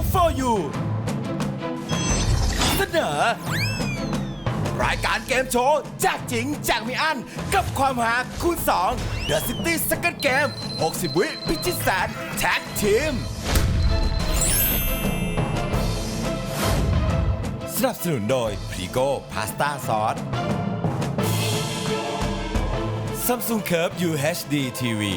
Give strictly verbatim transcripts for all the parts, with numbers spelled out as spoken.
for you เสนอรายการเกมโชว์แจกจริงแจกไม่อั้นกับความหาคูณสอง The City Second Game หกสิบ วิพิชิตแสนแท็กทีมสนับสนุนโดยพรีโก้พาสต้าซอส Samsung Curve ยู เอช ดี ที วี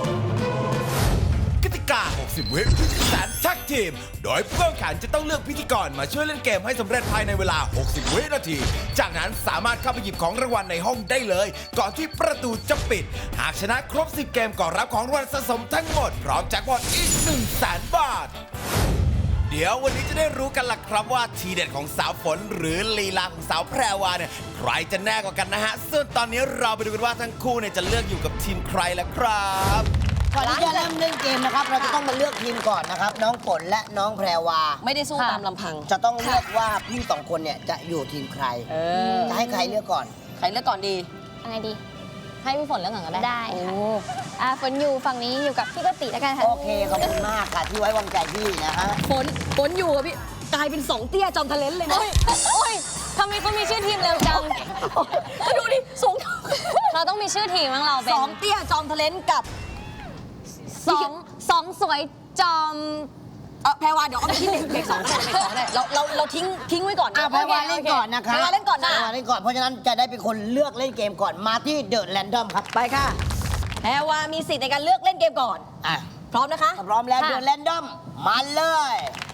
กติกา หกสิบ วิพิธีแสนแท็กทีม โดยผู้แข่งขันจะต้องเลือกพิธีกรมาช่วยเล่นเกมให้สำเร็จภายในเวลา หกสิบ วินาที จากนั้นสามารถเข้าไปหยิบของรางวัลในห้องได้เลย ก่อนที่ประตูจะปิด หากชนะครบ สิบ เกมก็รับของรางวัลสะสมทั้งหมด พร้อมแจ็คพอตอีก หนึ่งแสน บาท เดี๋ยววันนี้จะได้รู้กันล่ะครับว่าทีเด็ดของสาวฝนหรือลีลาของสาวแพรวาเนี่ยใครจะแน่กว่ากันนะฮะส่วนตอนนี้เราไปดูกันว่าทั้งคู่เนี่ยจะเลือกอยู่กับทีมใครล่ะครับก่อนที่จะเริ่มเล่นเกมนะครับเราจะต้องมาเลือกทีมก่อนนะครับน้องฝนและน้องแพรวาไม่ได้สู้ตามลำพังจะต้องเลือกว่าพี่สองคนเนี่ยจะอยู่ทีมใครจะให้ใครเลือกก่อนใครเลือกก่อนดีอะไรดีให้พี่ฝนเลือกก่อนก็ได้ได้ค่ะอ่าฝนอยู่ฝั่งนี้อยู่กับพี่กติแล้วกันค่ะโอเคขอบคุณมากค่ะที่ไว้วางใจพี่นะฮะฝนฝนอยู่กับพี่กลายเป็นสองเตี้ยจอมทะเลนเลยนะโอ้ยทำไมเขามีชื่อทีมเร็วจังเขาดูดิสูงเราต้องมีชื่อทีมของเราเป็นสองเตี้ยจอมทะเลนกับสองสองสวยจอมเออแพรวาเดี๋ยวเอาไปที่เด็กสองก็ได้เด็กสองได้เราเราเราทิ้งทิ้งไว้ก่อนอ่ะแพรวาเล่นก่อนนะคะแพรวาเล่นก่อนนะแพรวาเล่นก่อนเพราะฉะนั้นจะได้เป็นคนเลือกเล่นเกมก่อนมาที่เดอะแรนดอมครับไปค่ะแพรวามีสิทธิ์ในการเลือกเล่นเกมก่อนอ่ะพร้อมนะคะพร้อมแล้วเดอะแรนดอมมาเลย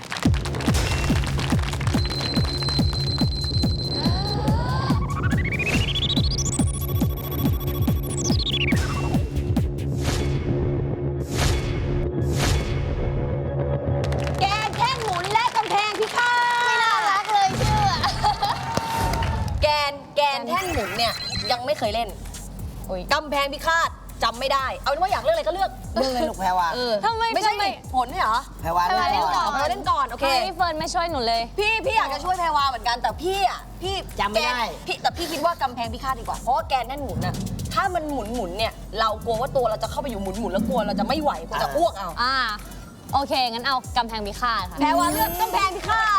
เนี่ยยังไม่เคยเล่นกำแพงพิฆาตจำไม่ได้เอาเป็นว่าอยากเลือกอะไรก็เลือกเลือกเลยลูกแพรวาทำไมไม่ใช่ผลเนี่ยเหรอแพรวาเล่นก่อนแพรวาเล่นก่อนโอเคพี่เฟิร์นไม่ช่วยหนูเลยพี่พี่อยากจะช่วยแพรวาเหมือนกันแต่พี่อ่ะพี่จำไม่ได้พี่แต่พี่คิดว่ากำแพงพิฆาตดีกว่าเพราะว่าแกนแน่นหมุนน่ะถ้ามันหมุนหมุนเนี่ยเรากลัวว่าตัวเราจะเข้าไปอยู่หมุนหมุนแล้วกลัวเราจะไม่ไหวกลัวจะอ้วกเอาอ่าโอเคงั้นเอากำแพงพิฆาตค่ะแพรวาเลือกกำแพงพิฆาต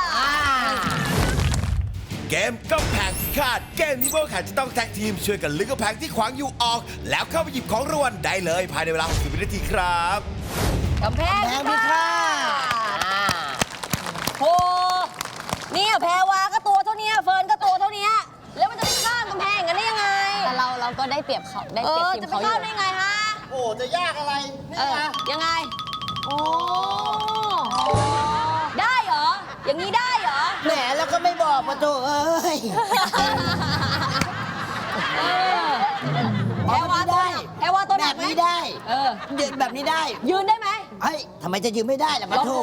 เกมกำแพงพิฆาตเกมนี้พวกแข่งจะต้องแท็กทีมช่วยกันลึกกำแพงที่ขวางอยู่ออกแล้วเข้าไปหยิบของรางวัลได้เลยภายในเวลา หกสิบ วินาทีครับกำแพงพิฆาตโอ้เนี่ยแพรวาก็ตัวเท่านี้เฟิร์นก็ตัวเท่านี้แล้วมันจะไปข้ามกำแพงกันได้ยังไงแต่เราเราก็ได้เปรียบเขาได้เปรียบทีมเขาอยู่จะไปข้ามได้ไงฮะโอ้จะยากอะไรนี่นะยังไงโอ้ได้เหรออย่างนี้ได้เหรอแหมแล้วก็ไม่บอกมาโถเอ้ยแพรวาตัวแพรวาตัวแบบนี้ได้เออยืนแบบนี้ได้ยืนได้ไหมเฮ้ยทำไมจะยืนไม่ได้ล่ะมาโถ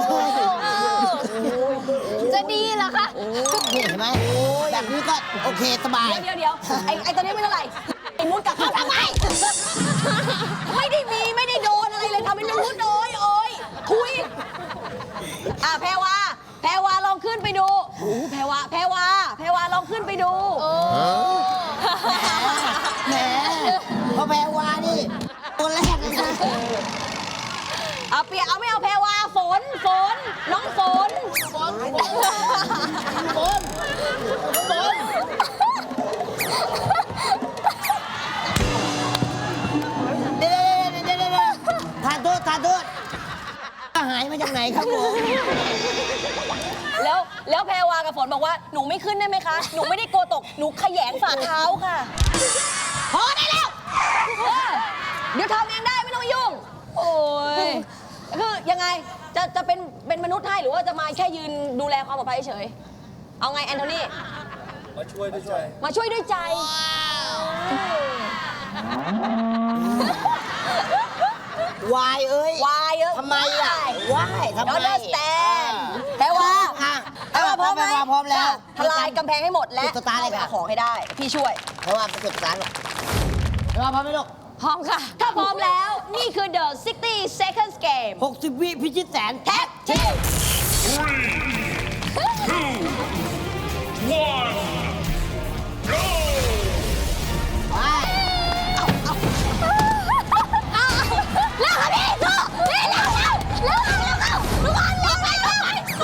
จะดีเหรอคะเห็นไหมแบบนี้ก็โอเคสบายเดี๋ยวเดี๋ยวไอ้ไอ้ตัวนี้ไม่เท่าไหร่ไอ้มุดกับเขาทำไมไม่ได้มีไม่ได้โดนอะไรเลยทำเป็นมุดโอยโอยคุยอ่ะแพรวาแพรวาลองขึ้นไปดูโอ้แพรวาแพรวาแพรวาลองขึ้นไปดูแหมพอแพรวานี่ตัวแรกเลยนะเอาเปียเอาไม่เอาแพรวาฝนฝนน้องฝนฝนฝนฝนฝนเดี๋ยวเดี๋ยวเดี๋ยวทานโทษทานโทษหายมาจากไหนครับผมแล้วแล้วแพรวากับฝนบอกว่าหนูไม่ขึ้นได้ไหมคะหนูไม่ได้โกตกหนูขยงฝ่าเท้าค่ะพอได้แล้วเดี๋ยวทำเองได้ไม่ต้องยุ่งโอ้ยคือยังไงจะจะเป็นเป็นมนุษย์ให้หรือว่าจะมาแค่ยืนดูแลความปลอดภัยเฉยเอาไงแอนโทนีมาช่วยด้วยใจมาช่วยด้วยใจวายเอ้ยวายเอ้ยทำไมล่ะวายทำไม understand แพรวาแพรวาพร้อมไหมพร้อมแล้วทลายกำแพงให้หมดและเอาของให้ได้พี่ช่วยเพราะว่าเป็นจุดสตาร์ทหรอกแพรวาพร้อมไหมลูกพร้อมค่ะถ้าพร้อมแล้วนี่คือ The หกสิบ seconds game หกสิบ วิพิชิตแสนแท็กทีมเร็วค่ะพี่สู้เร็วเร็วเร็วเร็วเร็วเร็วเร็วเร็วเร็วเร็วเร็ว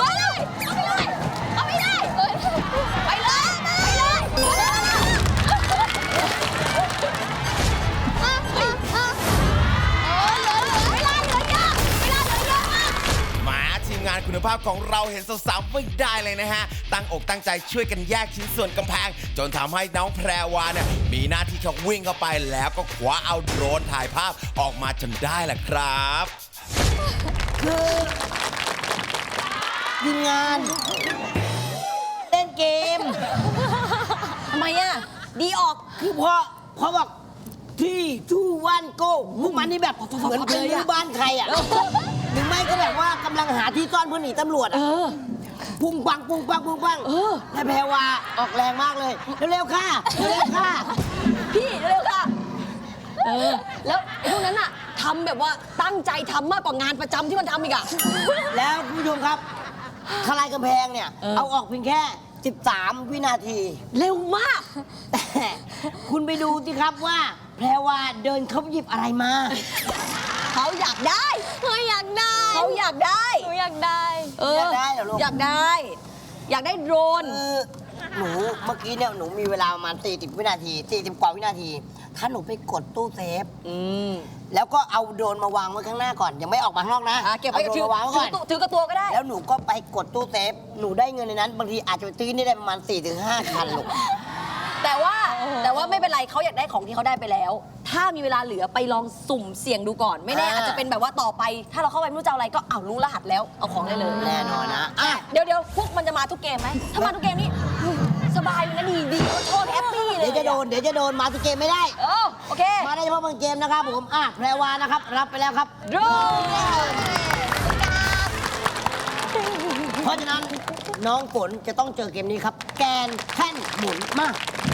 งานคุณภาพของเราเห็นสาวๆไม่ได้เลยนะฮะ ตั้งอกตั้งใจช่วยกันแยกชิ้นส่วนกำแพง จนทำให้น้องแพรวาเนี่ยมีหน้าที่แค่วิ่งเข้าไปแล้วก็คว้าเอาโดรนถ่ายภาพออกมาจนได้แหละครับคือทีมงาน เล่นเกมทำไมอ่ะ ดีออกคือพอพอบอกที่ทูวันโก้พวกมันนี่แบบเหมือนเป็นรื้อบ้านใครอ่ะ หรือไม่ก็แบบว่ากำลังหาที่ซ่อนเพื่อหนีตำรวจอ่ะปุ้งปังปุ้งปังปุ้งปังแต่แพรวาออกแรงมากเลย เร็วๆค่ะเร็วๆค่ะพี่เร็วค่ะ เออ แล้วไอ้พวกนั้นอ่ะทำแบบว่าตั้งใจทำมากกว่างานประจำที่มันทำอีกอ่ะแล้วคุณผู้ชมครับทลายกำแพงเนี่ยเออเอาออกเพียงแค่ สิบสาม วินาทีเร็วมากแต่คุณไปดูสิครับว่า แพรวาเดินเขาหยิบอะไรมาเขาอยากได้เฮ้ยอยากได้เขาอยากได้หนูอยากได้เอออยากได้เหรอลูกอยากได้ อยากได้โดรนคือหนูเมื่อกี้เนี่ยหนูมีเวลาประมาณสี่สิบวินาทีสี่สิบกว่าวินาที ถ้าหนูไปกดตู้เซฟอืมแล้วก็เอาโดรนมาวางไว้ข้างหน้าก่อน ยังไม่ออกมาข้างนอกนะอ่ะเก็บไว้อาโดรถืนอมาวางไว้ก่อนถือถือกับตัวก็ได้แล้วหนูก็ไปกดตู้เซฟ หนูได้เงินในนั้น บางทีอาจจะไปซื้อนี่ได้ประมาณ สี่ถึงห้า คันลูกแต่ว่าแต่ว่าไม่เป็นไรเขาอยากได้ของที่เขาได้ไปแล้ว ถ้ามีเวลาเหลือไปลองสุ่มเสี่ยงดูก่อน ไม่แน่อ่าอาจจะเป็นแบบว่าต่อไป ถ้าเราเข้าไปไม่รู้จะเอาอะไรก็อ้าวรู้รหัสแล้วเอาของได้เลยแน่นอนนะอ่ะเดี๋ยวเดี๋ยวพวกมันจะมาทุกเกมไหมถ้ามาทุกเกมนี่สบายเลยนะดีดีโชว์แฮปปี้เลยเดี๋ยวจะโดน เดี๋ยวจะโดนมาทุกเกมไม่ได้เออโอเคมาได้เฉพาะบางเกมนะครับผม อ่ะ แพรวานะครับ รับไปแล้วครับโดรนเพราะฉะนั้นน้องฝนจะต้องเจอเกมนี้ครับ แกนแท่นหมุนมา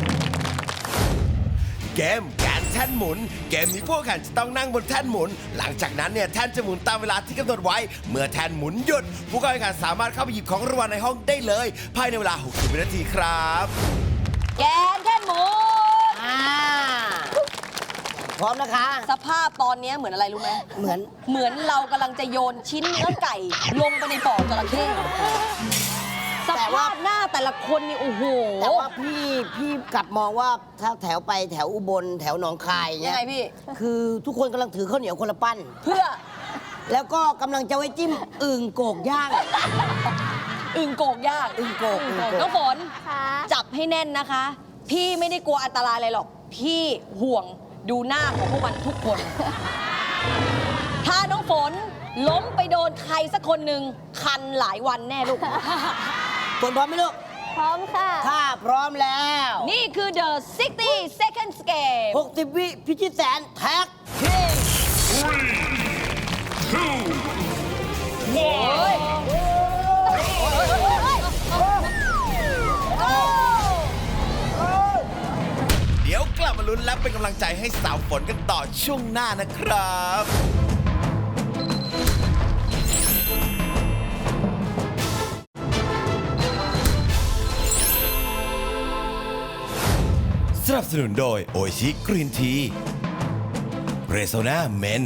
เกมแกนแท่นหมุน เกมนี้พวกแข่งจะต้องนั่งบนแท่นหมุน หลังจากนั้นเนี่ยแท่นจะหมุนตามเวลาที่กำหนดไว้ เมื่อแท่นหมุนหยุด ผู้เข้าแข่งขันสามารถเข้าไปหยิบของรางวัลในห้องได้เลย ภายในเวลา หกสิบ วินาทีครับแกนแท่นหมุนอ่า พร้อมนะคะสภาพตอนนี้เหมือนอะไรรู้ไหมเหมือนเหมือนเรากำลังจะโยนชิ้นเนื้อไก่ ลงไปในบ่อจระเข้สแต่ว่าภาพหน้าแต่ละคนนี่โอ้โหแต่ว่าพี่พี่กลับมองว่าถ้าแถวไปแถวอุบลแถวหนองคายยัเนี่งยไงพี่คือทุกคนกำลังถือข้าวเหนียวคนละปั้นเพื่อแล้วก็กำลังจะไว้จิ้มอึ่งโกกย่างอึ่งโกกย่างอึ่งโกกอึ่งโกกน้องฝนค่ะจับให้แน่นนะคะ พี่ไม่ได้กลัวอันตรายอะไรหรอก พี่ห่วงดูหน้าของพวกมันทุกคน ถ้าน้องฝนล้มไปโดนใครสักคนหนึ่งคันหลายวันแน่ลูกฝนพร้อมไหมลูกพร้อมค่ะถ้าพร้อมแล้วนี่คือ the sixty seconds game หกสิบ วิพิชิตแสนแท็กทีเดี๋ยวกลับมาลุ้นและเป็นกำลังใจให้สาวฝนกันต่อช่วงหน้านะครับ สนับสนุนโดยโอชิกรีนทีเรโซนาเมน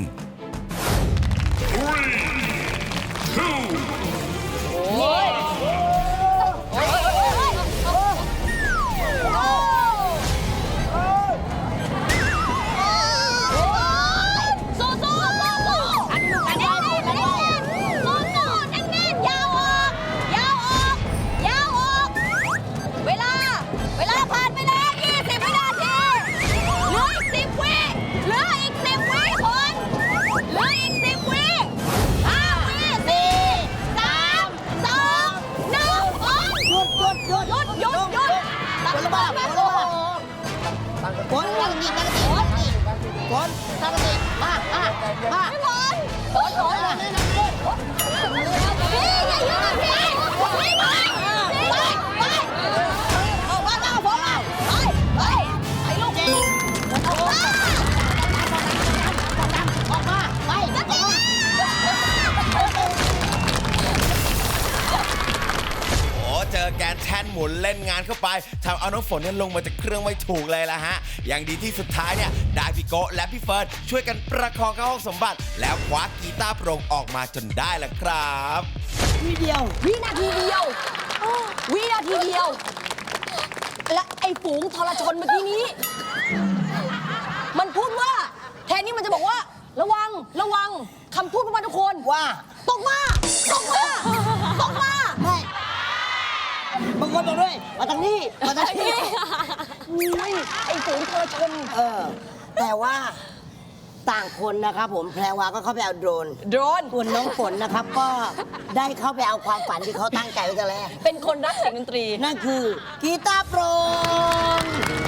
สู้สู้สู้สู้อันนู้นอันนี้อันนี้สู้สู้แน่นแน่นยาวออกยาวออกยาวออกเวลา เวลาผ่านไปแล้วยี่สิบวินาทีเหลืออีกสิบวิเหลืออีกสิบวิคนเหลืออีกสิบวิห้าวิสี่สามสองหนึ่งโอ๊ยหยุดหยุดหยุดหยุดหยุดหยุดฝนระบาดฝนระบาดฝนตั้งสติตั้งสติฝนตั้งสติมามามาพี่บอลโอ๊ยโอ๊ยพี่อย่ายืนพี่พี่ไปไปไปเอาบ้านเอาผมเอาไปไปไปลูกเจ๊ออกมาออกมาไปออกมาโอ้เจอแกนแท่นหมุนเล่นงานเข้าไปทำเอาน้องฝนเนี่ยลงมาจากเครื่องไม่ถูกเลยละฮะ อย่างดีที่สุดท้ายเนี่ยได้พี่โกะและพี่เฟิร์นช่วยกันประคองเข้าห้องสมบัติ แล้วคว้ากีตาร์โปร่งออกมาจนได้ละครับวิเดียววินาทีเดียววินาทีเดียว และไอ้ฝูงทรชนเมื่อกี้นี้ มันพูดว่า แทนนี่มันจะบอกว่า ระวังระวังคำพูดของมันทุกคนว่าตกมาตกมานบอกด้วยมาทางนี้มาทางนี้อุ้ยไอ้ฝูงเธอชมเออ แต่ว่าต่างคนนะครับผมแพรวาก็เข้าไปเอาโดรนโดรนส่วนน้องฝนนะครับก็ได้เข้าไปเอาความฝันที่เขาตั้งใจไว้แต่แรกเป็นคนรักเสียงดนตรีนั่นคือกีตาร์โปร่ง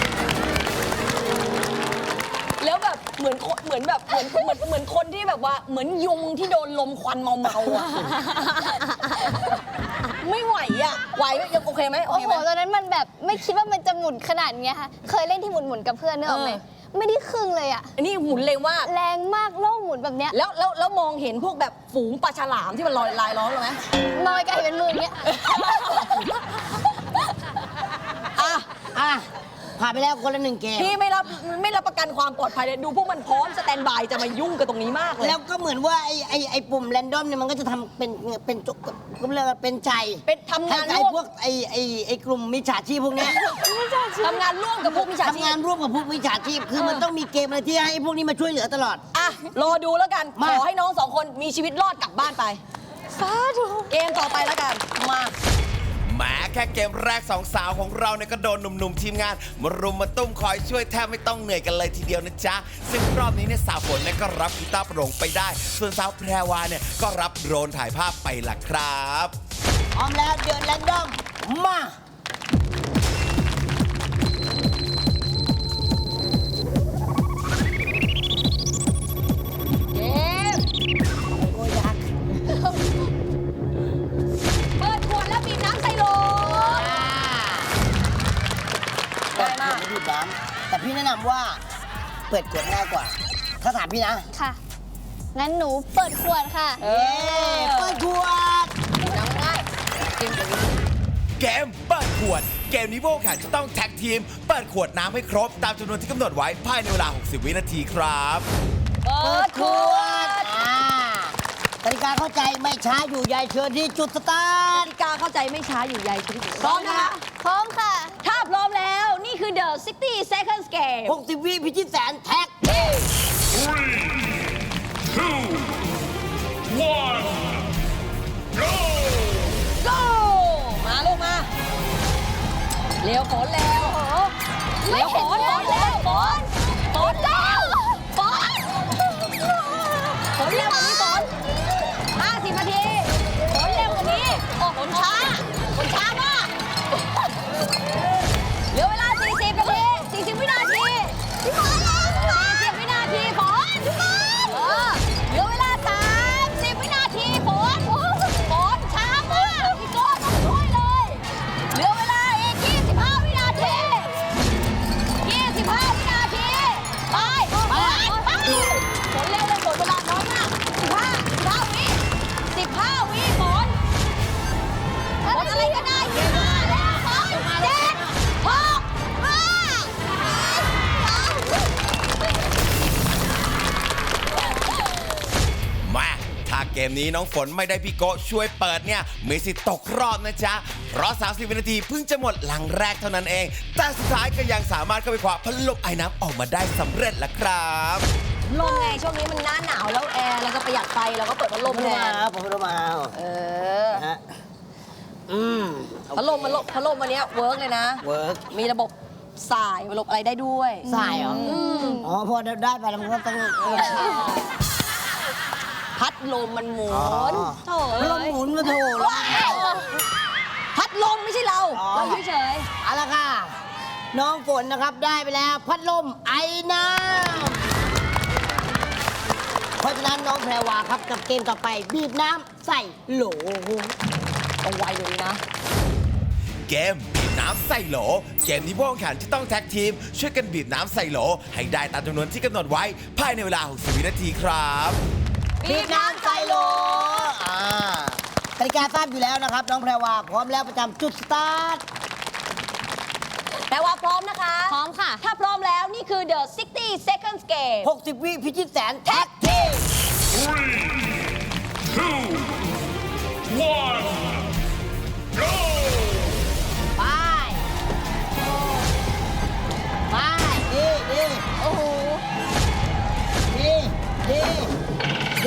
แล้วแบบเหมือนคนเหมือนแบบเหมือนเหมือนเหมือนคนที่แบบว่าเหมือนยุงที่โดนลมควันเมาเมาๆอะ ไม่ไหวอะไหวไหมยังโอเคไหมโอโอ้เคโหไหมตอนนั้นมันแบบไม่คิดว่ามันจะหมุนขนาดเนี้ยค่ะ เคยเล่นที่หมุนๆกับเพื่อนนึกออกไหมเออไม่ได้ครึ่งเลยอะอันนี้หมุนเร็วมากแรงมากโลกหมุนแบบเนี้ยแล้วแล้วแล้วมองเห็นพวกแบบฝูงปลาฉลามที่มันลอยลายล้อมเลยไหมมอยไกลเป็นมืออย่างเงี้ยอ่ะอ่ะผ่านไปแล้วคนละหนึ่งเกมพี่ไม่รับไม่รับประกันความปลอดภัยเลยดูพวกมันพร้อมสแตนบายจะมายุ่งกับตรงนี้มากเลยแล้วก็เหมือนว่าไอ้ไอ้ไอ้ปุ่มแรนดอมเนี่ยมันก็จะทำเป็นเป็นจุกก็เรียกว่าเป็นใจเป็นทำงานให้ร่ไอ้วมพวกไอ้ไอ้ไอ้กลุ่มมิจฉาชีพพวกเนี้ยทำงานร่วมกับพวกมิจฉาชีทำงานพร่วมกับพวกมิจฉาชีพคือมันต้องมีเกมอะไรที่ให้พวกนี้มาช่วยเหลือตลอดอ่ะรอดูแล้วกันมาขอให้น้องสองคนมีชีวิตรอดกลับบ้านไปสาธุเกมต่อไปแล้วกันมาแหม้แค่เกมแรกสองสาวของเราเนี่ยก็โดนหนุ่มๆทีมงานมารุมมาตุ้มคอยช่วยแทบไม่ต้องเหนื่อยกันเลยทีเดียวนะจ๊ะ ซึ่งรอบนี้เนี่ยสาวฝนเนี่ยก็รับกีตาร์โปร่งไปได้ ส่วนสาวแพรวาเนี่ยก็รับโดรนถ่ายภาพไปล่ะครับพร้อมแล้วเดินแรนดอมมาเกมโอ้ยยักษ์เปิดขวดแล้วบีบน้ำใส่โหลง่ายมากไม่ดูดน้ำแต่พี่แนะนำว่าเปิดขวดง่ายกว่า ถ้าถามพี่นะค่ะ งั้นหนูเปิดขวดค่ะเอเอ๊ะเปิดขวดน้ำง่ายเกมแบบนี้เกมเปิดขวด เกมนี้พวกแข่งจะต้องแท็กทีม เปิดขวดน้ำให้ครบ ตามจำนวนที่กำหนดไว้ภายในเวลา หกสิบ วินาทีครับเปิดขวดอ่ากติกาเข้าใจไม่ช้าอยู่ใหญ่เชิญที่จุดสตาร์ทกติกาเข้าใจไม่ช้าอยู่ใยชีวิตพร้อมนะคะพร้อมค่ะถ้าพร้อมแล้วนี่คือ The 60 Seconds Game หกสิบ วิพิชิตแสนแท็ก go มาลูกมา เร็วฝนเร็วเร็วฝนฝนเร็วฝนฝนเร็วฝนฝนเร็วกว่านี้ฝนห้าสิบนาทีฝนเร็วกว่านี้โอ้ฝนช้าฝนช้ามากเหลือเวลา สี่สิบ นาที สี่สิบ วินาทีพี่ฝนสี่สิบ วินาทีฝนพี่ฝนเออเหลือเวลา สามสิบ วินาทีฝนฝนช้ามากพี่โก้ต้องช่วยเลย เหลือเวลาอีก ยี่สิบห้า วินาที ยี่สิบห้า วินาที ไป ไปไปฝนเร็วเลยฝนเวลาน้อยมากสิบห้า สิบห้า วิ สิบห้า วิฝนฝนอะไรก็ได้ยี่สิบห้าแล้วฝนเจ็ดหกห้ามาถ้าเกมนี้น้องฝนไม่ได้พี่โกะช่วยเปิดเนี่ยมีสิทธิ์ตกรอบนะจ๊ะ เพราะ สามสิบ วินาทีเพิ่งจะหมดหลังแรกเท่านั้นเอง แต่สุดท้ายก็ยังสามารถเข้าไปคว้าพัดลมไอ้น้ำออกมาได้สำเร็จละครับลมไงช่วงนี้มันหน้าหนาวแล้วแอร์เราก็ประหยัดไฟเราก็เปิดพัดลมแทมาน ผมรู้มาเอาเออฮะอืมพัดลมมันลมพัดลมวันเนี้ยเวิร์กเลยนะเวิร์กมีระบบสายระบบอะไรได้ด้วยสายเหรออ๋อพอได้ไปแล้วมันก็ต้องพัดลมมันหมุอ๋อนโถ่พัดลมหมุนมาโถแล้วพัดลมไม่ใช่เราอ๋อเราเฉยเอาละค่ะ น้องฝนนะครับได้ไปแล้ว พัดลมไอ้น้ำเพราะฉะนั้นน้องแพรวาครับกับเกมต่อไป บีบน้ำใส่โหลๆต้องไวเลยนะเกมบีบน้ำใส่โหล เกมนี้พวกแข่งขันจะต้องแท็กทีม ช่วยกันบีบน้ำใส่โหล ให้ได้ตามจำนวนที่กำหนดไว้ภายในเวลา หกสิบ วินาทีครับบีบน้ำใส่โหลอ่ากติกาทราบอยู่แล้วนะครับ น้องแพรวาพร้อมแล้วประจำจุดสตาร์ทแต่ว่าพร้อมนะคะพร้อมค่ะถ้าพร้อมแล้วนี่คือ The 60 Seconds Game หกสิบ วิพิชิตแสนแท็กทีม ไป ไป ดีดีโอ้โหดีดีดี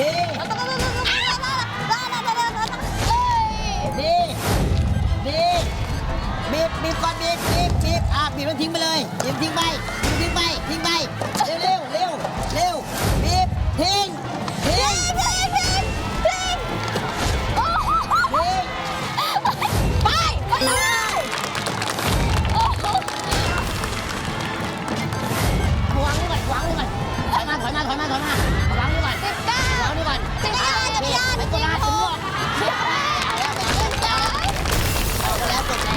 เอ้ยดีดีบีบบบีบก่อนบีบบีบบีบอ่ะบีบแล้วทิ้งไปเลยบีบทิ้งไปบีบทิ้งไปทิ้งไปเร็วเร็วเร็วเร็วบีบทิ้งทิ้งทิ้งทิ้งทิ้งโอ้โหทิ้งไปไปเลยโอ้โหวางนี่ก่อนวางนี่ก่อนถอยมาถอยมาถอยมาถอยมาวางนี่ก่อนสิบเก้าวางนี่ก่อนจักรยานจักรยานไปตัวละถึงหมดสิบแปดสิบเก้าเอาไปแล้วจบแล้ว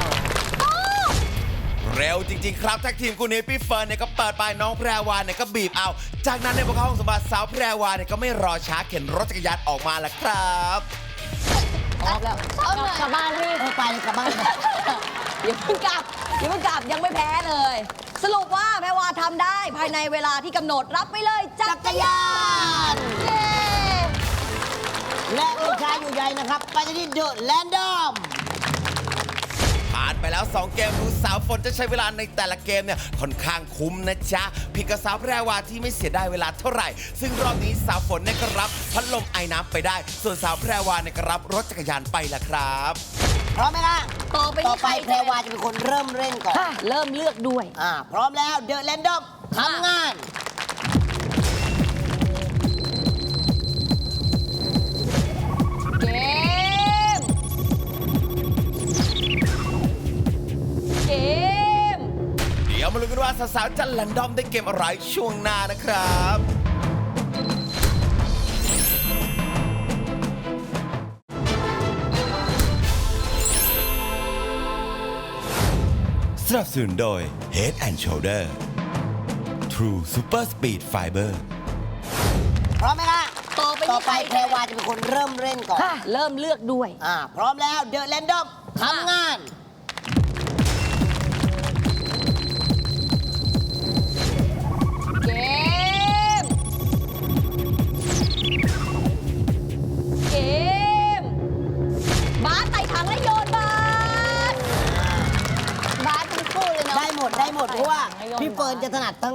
เร็วจริงๆครับแท็กทีมคู่นี้พี่เฟิร์นเนี่ยก็เปิดไปน้องแพรวาเนี่ยก็บีบเอา จากนั้นเนี่ยพวกเขาห้องสมบัติสาวแพรวาเนี่ยก็ไม่รอช้าเข็นรถจักรยานออกมาแล้วครับพร้อมแล้วเอาหน่อยกลับบ้านพี่เออไปเลยกลับบ้านไปอย่าเพิ่งกลับอย่าเพิ่งกลับยังไม่แพ้เลย สรุปว่าแพรวาทำได้ภายในเวลาที่กำหนดรับไปเลยจัจักกรรยายาน นเย้และไม่ช้าอยู่ใหญ่นะครับ ไปที่เดอะแลนดอมผ่านไปแล้ว สอง เกมดูสาวฝนจะใช้เวลาในแต่ละเกมเนี่ยค่อนข้างคุ้มนะจ๊ะผิดกับสาวแพรวาที่ไม่เสียดายเวลาเท่าไหร่ ซึ่งรอบนี้สาวฝนเนี่ยก็รับพัดลมไอ้น้ำไปได้ ส่วนสาวแพรวาเนี่ยก็รับรถจักรยานไปละครับพร้อมไหมคะต่อไปต่อนี้ไปใครแพรวาจะเป็นคนเริ่มเล่นก่อนค่ะเริ่มเลือกด้วยอ่า พร้อมแล้วเดอะแลนดอมทำงานเกม เกมเดี๋ยวมาลุ้นกันว่าสาวๆจะแรนดอมได้เกมอะไรช่วงหน้านะครับ สนับสนุนโดย Head and Shoulder True Super Speed Fiber พร้อมไหมคะต่อไปนี้ต่อไปใครแพรวาจะเป็นคนเริ่มเล่นก่อนค่ะเริ่มเลือกด้วยอ่า พร้อมแล้วเดอะแลนดอมทำงานเกม เกม บาสไต่ถังและโยนบาสบาสทั้งคู่เลยเนาะได้หมดได้หมด เพราะว่าพี่เฟิร์นจะถนัดทั้ง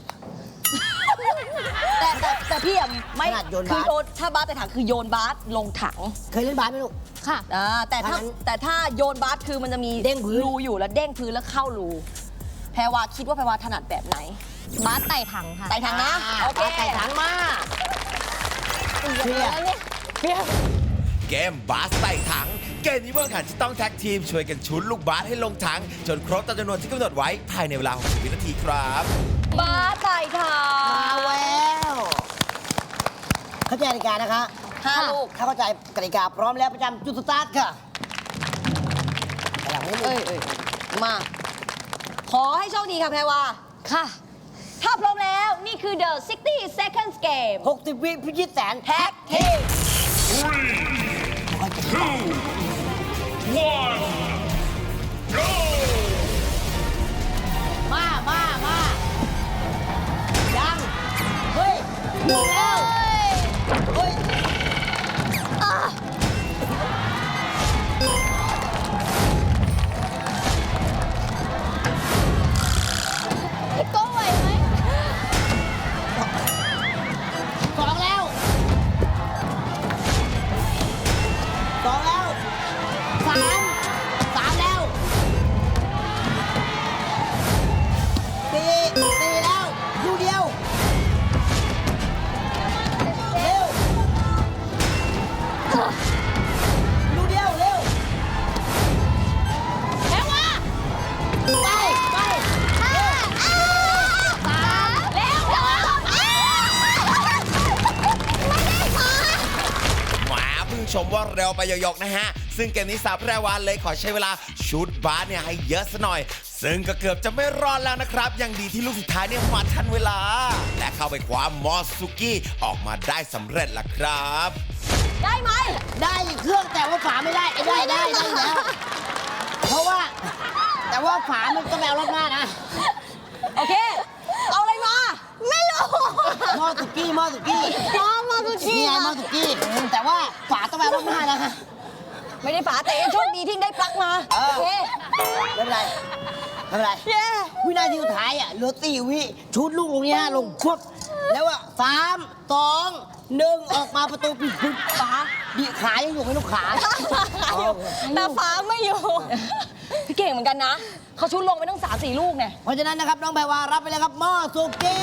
แต่แต่แต่พี่อะไม่ขนาดโยนคืบาอสโยนถ้าบาสไต่ถังคือโยนบาสลงถังเคยเล่นบาสไหมลูกค่ะอ่าแต่ถ้าอันนั้นแต่ถ้าโยนบาสคือมันจะมีเด้งพื้นรูอยู่แล้วเด้งพื้นแล้วเข้ารูแพรวาคิดว่าแพรวาถนัดแบบไหนบาสไต่ถังค่ะไต่ถังนะอ่าโอเคบาสไต่ถังมาเดี๋ยวแล้วเนี่ยเกมบาสไต่ถัง เกมนี้เมื่อขันจะต้องแท็กทีมช่วยกันชุนลูกบาสให้ลงถัง จนครบตามจำนวนที่กำหนดไว้ภายในเวลา หกสิบ วินาทีครับบาสไต่ถังมาแล้วเข้าใจกติกานะคะห้าลูกถ้าเข้าใจกติกาพร้อมแล้วประจำจุดสตาร์ทค่ะไปหลังนี้เลเอ้ยยเอ้ยมา ขอให้โชคดีค่ะแพรวา ค่ะ ถ้าพร้อมแล้วนี่คือ the sixty seconds game หกสิบ วิพิชิตแสนแท็กทีมมา มา มา ยัง เฮ้ยหมดแล้ว เฮ้ยพี่โก้ไหวไหมสองแล้วสองแล้วสามสามแล้วสี่สี่แล้วลูกเดียว เร็วลูกเดียว เร็วแล้วว่าไป ไปห้าอ้าสามแล้วสองอ้าไม่ได้ขอหมาเพิ่งชมว่าเร็วไปหยอกๆนะฮะ ซึ่งเกมนี้สาวแพรวาเลยขอใช้เวลาชุดบาสเนี่ยให้เยอะซะหน่อย ซึ่งก็เกือบจะไม่รอดแล้วนะครับ ยังดีที่ลูกสุดท้ายเนี่ยมาทันเวลา และเข้าไปคว้ามอสซุกี้ออกมาได้สำเร็จละครับได้ไหมได้เครื่องแต่ว่าฝาไม่ได้ไอ้ได้ได้ได้อยู่แล้ว เพราะว่า แต่ว่าฝามันก็แมวรถหน้านะโอเค เอาอะไรมาไม่รู้หม้อสุกี้หม้อสุกี้อ๋อมาสุกี้นี่ไงหม้อสุกี้ แต่ว่าฝาต้องแมวรถหน้านะไม่ได้ฝาแต่ยังโชคดีที่ได้ปลั๊กมาเออโอเคไม่เป็นไรไม่เป็นไรเย้วินาทีสุดท้ายอ่ะเหลือสี่วิชุดลูกลงนี้ฮะลงควบแล้วอ่ะสามสองหนึ่งออกมาประตูปิดปุ๊บฝาดีขายังอยู่ไหมลูกขาอยู่แต่ฟ้าไม่อยู่ พี่เก่งเหมือนกันนะ เขาชุดลงไปตั้งสามสี่ลูกเนี่ยเพราะฉะนั้นนะครับน้องแพรวารับไปเลยครับหม้อสุกี้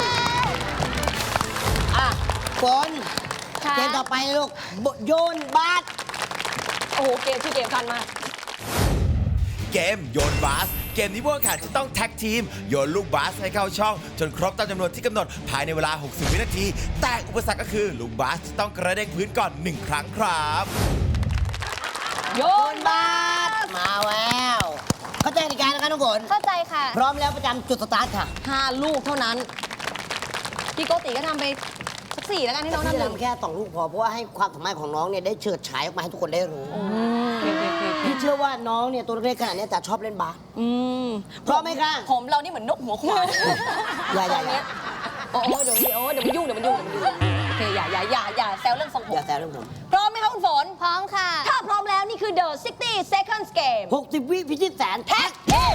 อ่ะฝนค่ะเกมต่อไปลูกบโยนบาสโอ้โห เกมชื่อเกมทันมากเกมโยนบาส เกมนี้ผู้แข่งขันจะต้องแท็กทีม โยนลูกบาสให้เข้าช่อง จนครบตามจำนวนที่กำหนดภายในเวลา หกสิบ วินาที แต่อุปสรรคก็คือลูกบาสจะต้องกระเด้งพื้นก่อน หนึ่ง ครั้งครับโยโยนนบาสมาแล้วเข้าใจกติกานะครับน้องฝนเข้าใจค่ะพร้อมแล้วประจำจุดสตาร์ทค่ะห้าลูกเท่านั้น พี่โกติก็ทำไปสักสี่แล้วกันให้น้องพี่ทำหนึ่งทำแค่สองลูกพอเพราะว่าให้ความสามารถของน้องเนี่ยได้เฉิดฉายออกมาให้ทุกคนได้รู้โอเคโอเคโอเคพี่เชื่อว่าน้องเนี่ยตัวเล็กๆขนาดเนี้ยจะชอบเล่นบาสอืมพร้อมไหมคะผมเรานี่เหมือนนกหัวขวานอย่าอย่าอย่าโอ้โหเดี๋ยวโอ้เดี๋ยวมันยุ่งเดี๋ยวมันยุ่งเดี๋ยวมันยุ่งโอเคอย่าอย่าอย่าอย่าแซวเรื่องทรงผอมย่าแซวเรื่องผมพร้อมไหมคะคุณฝนพร้อมค่ะถ้าพร้อมแล้วนี่คือ The 60 Seconds Game หกสิบวิพิชิตแสนแท็กเฮ้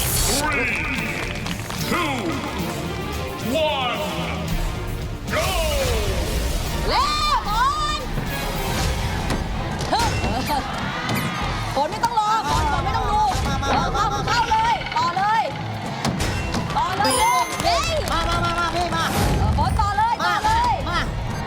แล้วฝนเฮ้ยฝนไม่ต้องรอฝนฝนไม่ต้องดูมามาเอมาอมาเข้ามาเข้าเลยต่อเลยต่อเลยเฮ้ยมามามามาพี่มาเออฝนต่อเลยต่มาอเลยมา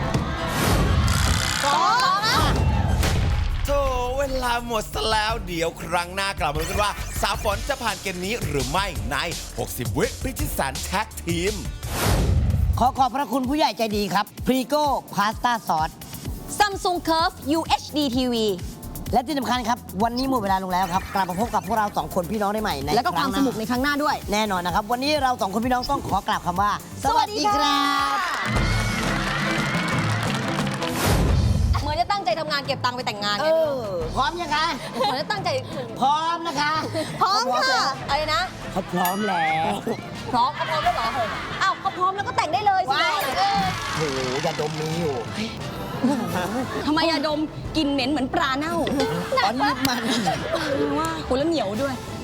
ต่อนะโธ่เวลาหมดซะแล้ว เดี๋ยวครั้งหน้ากลับมาดูกันว่า สาวฝนจะผ่านเกมนี้หรือไม่ใน หกสิบ วิพิชิตแสนแท็กทีมขอขอบพระคุณผู้ใหญ่ใจดีครับพรีโก้พาสต้าซอส Samsung Curve ยู เอช ดี ที วีและที่สำคัญครับ วันนี้หมดเวลาลงแล้วครับ กลับมาพบกับพวกเราสองคนพี่น้องได้ใหม่ในแล้วก็ความรั้งหสน้นุกในครั้งหน้าด้วยแน่นอนนะครับ วันนี้เราสองคนพี่น้องต้องขอกล่าวคำว่า สวัสดีครับเหมือนจะตั้งใจทำงานเก็บตังค์ไปแต่งงานเอไงอ พร้อมยังคะเหมือนจะตั้งใจพร้อมนะคะพร้อมเขาค่ะแล้วอะไรนะเขาพร้อมแล้วพร้อมเขาพร้อมแล้วเหรออ้าวเขาพร้อมแล้วก็แต่งได้เลยสิว้ายเออโอ้โหอย่าดมมีอยู่ทำไมยาดมกลินเหม็นเหมือนปลาเน่าตอนนี้มันว่าโหแล้วเหนียวด้วยเ